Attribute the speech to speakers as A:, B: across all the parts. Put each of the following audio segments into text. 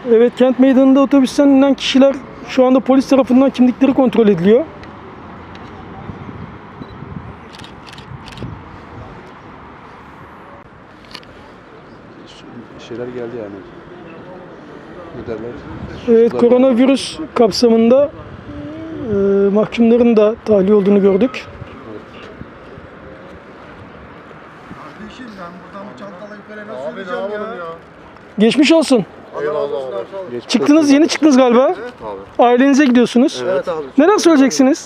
A: Evet, kent meydanında otobüsten inen kişiler şu anda polis tarafından kimlikleri kontrol ediliyor.
B: Şeyler geldi yani. Ne derler?
A: Evet, koronavirüs kapsamında mahkumların da tahliye olduğunu gördük.
C: Kardeşim ben buradan bu çantalayı falan nasıl yürüyeceğim ya?
A: Geçmiş olsun.
C: Eyvallah abi.
A: Çıktınız, yeni çıktınız galiba.
C: Evet abi.
A: Ailenize gidiyorsunuz.
C: Evet abi.
A: Neler söyleyeceksiniz?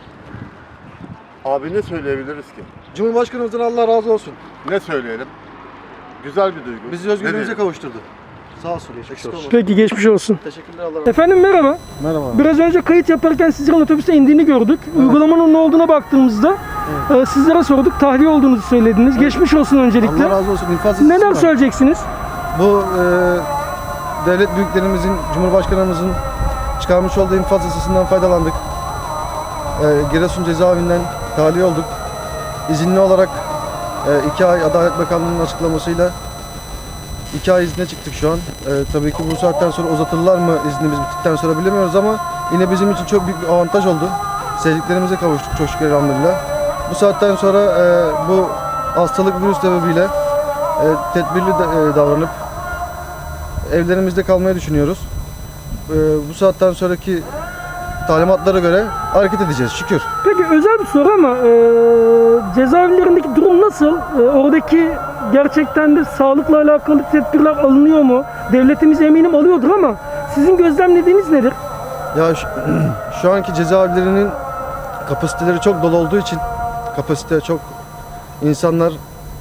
D: Abi ne söyleyebiliriz ki?
C: Cumhurbaşkanımızdan Allah razı olsun.
D: Ne söyleyelim? Güzel bir duygu.
C: Bizi
D: Ne
C: özgürlüğümüze
D: diyelim?
C: kavuşturdu. Sağ olsun. Eksik olmasın.
A: Peki, geçmiş olsun.
C: Teşekkürler, Allah razı olsun.
A: Efendim merhaba.
C: Merhaba.
A: Biraz önce kayıt yaparken sizlerin otobüste indiğini gördük. Uygulamanın ne olduğuna baktığımızda sizlere sorduk. Tahliye olduğunuzu söylediniz. Geçmiş olsun öncelikle.
C: Allah razı olsun. İnfaz yasası
A: Neler
C: var.
A: söyleyeceksiniz?
C: Bu devlet büyüklerimizin, Cumhurbaşkanımızın çıkarmış olduğu infaz yasasından faydalandık. Giresun cezaevinden tahliye olduk. İzinli olarak 2 ay Adalet Bakanlığı'nın açıklamasıyla 2 ay izne çıktık şu an. Tabii ki bu saatten sonra uzatırlar mı iznimiz bittikten sonra bilemiyoruz ama yine bizim için çok büyük bir avantaj oldu. Sevdiklerimize kavuştuk çok şükür elhamdülillah. Bu saatten sonra bu hastalık virüs sebebiyle tedbirli davranıp evlerimizde kalmayı düşünüyoruz. Bu saatten sonraki talimatlara göre hareket edeceğiz şükür.
A: Peki, özel bir soru ama cezaevlerindeki durum nasıl? Oradaki gerçekten de sağlıkla alakalı tedbirler alınıyor mu? Devletimiz eminim alıyordur ama sizin gözlemlediğiniz nedir?
C: Ya şu anki cezaevlerinin kapasiteleri çok dolu olduğu için kapasite çok insanlar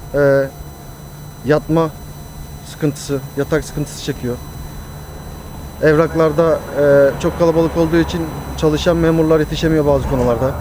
C: yatma sıkıntısı, yatak sıkıntısı çekiyor. Evraklarda çok kalabalık olduğu için çalışan memurlar yetişemiyor bazı konularda.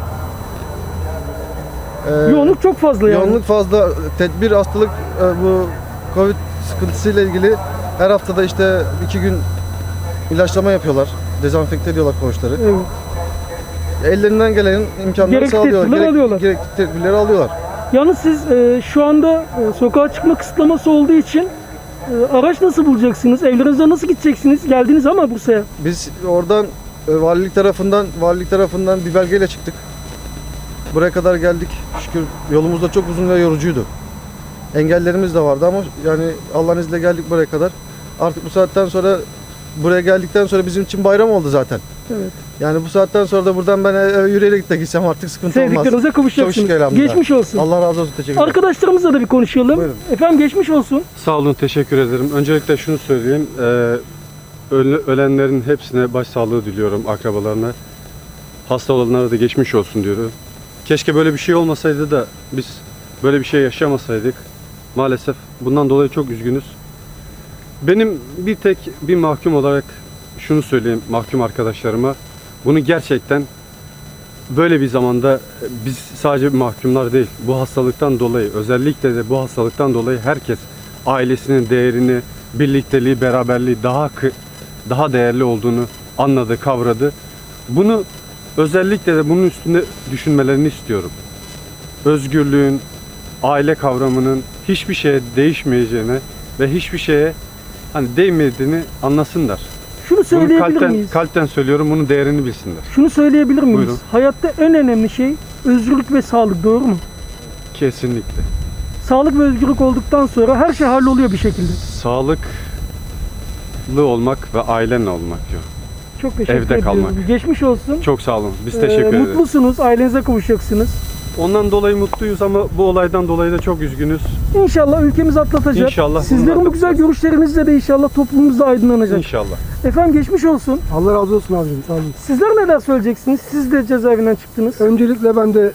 A: Yoğunluk çok fazla yani.
C: Yoğunluk fazla. Tedbir hastalık bu Covid sıkıntısıyla ilgili her haftada işte 2 gün ilaçlama yapıyorlar. Dezenfekte ediyorlar koğuşları.
A: Evet.
C: Ellerinden gelen imkanları
A: Gerekli
C: sağlıyorlar.
A: tedbirleri alıyorlar.
C: Gerekli tedbirleri alıyorlar.
A: Yalnız siz şu anda sokağa çıkma kısıtlaması olduğu için araç nasıl bulacaksınız? Evlerinize nasıl gideceksiniz? Geldiniz ama Bursa'ya.
C: Biz oradan valilik tarafından bir belgeyle çıktık. Buraya kadar geldik. Şükür yolumuz da çok uzun ve yorucuydu. Engellerimiz de vardı ama yani Allah'ın izniyle geldik buraya kadar. Artık bu saatten sonra buraya geldikten sonra bizim için bayram oldu zaten.
A: Evet.
C: Yani bu saatten sonra da buradan ben yürüyerek de gitsem artık sıkıntı olmaz.
A: Sevdiklerinize
C: Çok
A: kavuşacaksınız.
C: şükür elhamdülillah.
A: Geçmiş olsun.
C: Allah razı olsun. Teşekkür ederim.
A: Arkadaşlarımızla da bir konuşalım.
C: Buyurun.
A: Efendim, geçmiş olsun.
B: Sağ olun, teşekkür ederim. Öncelikle şunu söyleyeyim. Ölenlerin hepsine başsağlığı diliyorum, akrabalarına. Hasta olanlara da geçmiş olsun diyorum. Keşke böyle bir şey olmasaydı da biz böyle bir şey yaşamasaydık. Maalesef bundan dolayı çok üzgünüz. Benim bir mahkum olarak şunu söyleyeyim mahkum arkadaşlarıma. Bunu gerçekten böyle bir zamanda biz sadece mahkumlar değil, bu hastalıktan dolayı, özellikle de bu hastalıktan dolayı herkes ailesinin değerini, birlikteliği, beraberliği daha değerli olduğunu anladı, kavradı. Bunu özellikle de bunun üstünde düşünmelerini istiyorum. Özgürlüğün, aile kavramının hiçbir şeye değişmeyeceğine ve hiçbir şeye değmediğini anlasınlar.
A: Şunu
B: Bunu
A: söyleyebilir miyiz?
B: kalpten söylüyorum, bunun değerini bilsinler.
A: Şunu söyleyebilir miyiz?
B: Buyurun.
A: Hayatta en önemli şey özgürlük ve sağlık, doğru mu?
B: Kesinlikle.
A: Sağlık ve özgürlük olduktan sonra her şey halloluyor bir şekilde.
B: Sağlıklı olmak ve ailenle olmak diyor.
A: Çok teşekkür
B: Evde
A: ediyorum.
B: kalmak.
A: Geçmiş olsun.
B: Çok sağ olun. Biz teşekkür ederiz.
A: Mutlusunuz, ailenize kavuşacaksınız.
B: Ondan dolayı mutluyuz ama bu olaydan dolayı da çok üzgünüz.
A: İnşallah ülkemiz atlatacak.
B: İnşallah
A: Sizlerin
B: bunu
A: bu güzel
B: atlatacağız.
A: görüşlerinizle de inşallah toplumumuz da aydınlanacak.
B: İnşallah.
A: Efendim, geçmiş olsun.
E: Allah razı olsun abicim, sağ olun.
A: Sizler neler söyleyeceksiniz? Siz de cezaevinden çıktınız.
E: Öncelikle ben de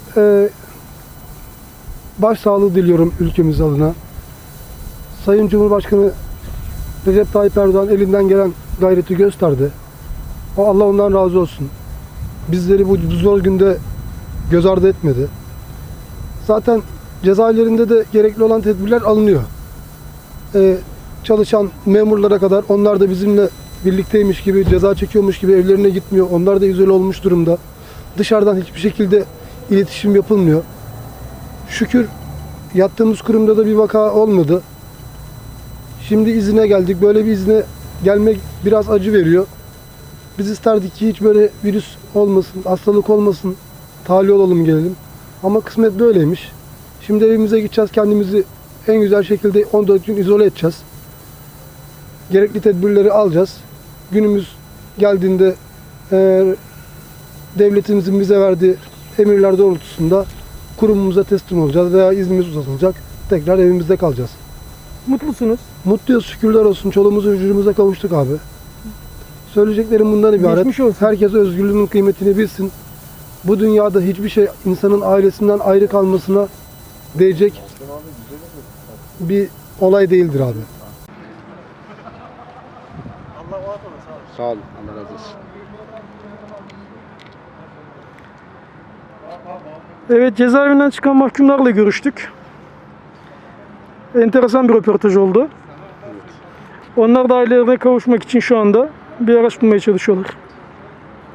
E: başsağlığı diliyorum ülkemiz adına. Sayın Cumhurbaşkanı Recep Tayyip Erdoğan elinden gelen gayreti gösterdi. Allah ondan razı olsun. Bizleri bu zor günde göz ardı etmedi. Zaten cezaevlerinde de gerekli olan tedbirler alınıyor. Çalışan memurlara kadar onlar da bizimle birlikteymiş gibi, ceza çekiyormuş gibi evlerine gitmiyor. Onlar da izole olmuş durumda. Dışarıdan hiçbir şekilde iletişim yapılmıyor. Şükür yattığımız kurumda da bir vaka olmadı. Şimdi izine geldik. Böyle bir izne gelmek biraz acı veriyor. Biz isterdik ki hiç böyle virüs olmasın, hastalık olmasın, tahliye olalım gelelim. Ama kısmet böyleymiş. Şimdi evimize gideceğiz, kendimizi en güzel şekilde 14 gün izole edeceğiz. Gerekli tedbirleri alacağız. Günümüz geldiğinde devletimizin bize verdiği emirler doğrultusunda kurumumuza teslim olacağız veya iznimiz uzatılacak. Tekrar evimizde kalacağız.
A: Mutlusunuz.
E: Mutluyuz, şükürler olsun. Çoluğumuza, çocuğumuza kavuştuk abi. Söyleyeceklerim bundan ibaret.
A: Geçmiş olsun.
E: Herkes özgürlüğünün kıymetini bilsin. Bu dünyada hiçbir şey insanın ailesinden ayrı kalmasına değecek bir olay değildir abi.
F: Sağ olun. Allah razı olsun.
A: Evet, cezaevinden çıkan mahkumlarla görüştük. Enteresan bir röportaj oldu. Onlar da ailelerine kavuşmak için şu anda bir araç bulmaya çalışıyorlar.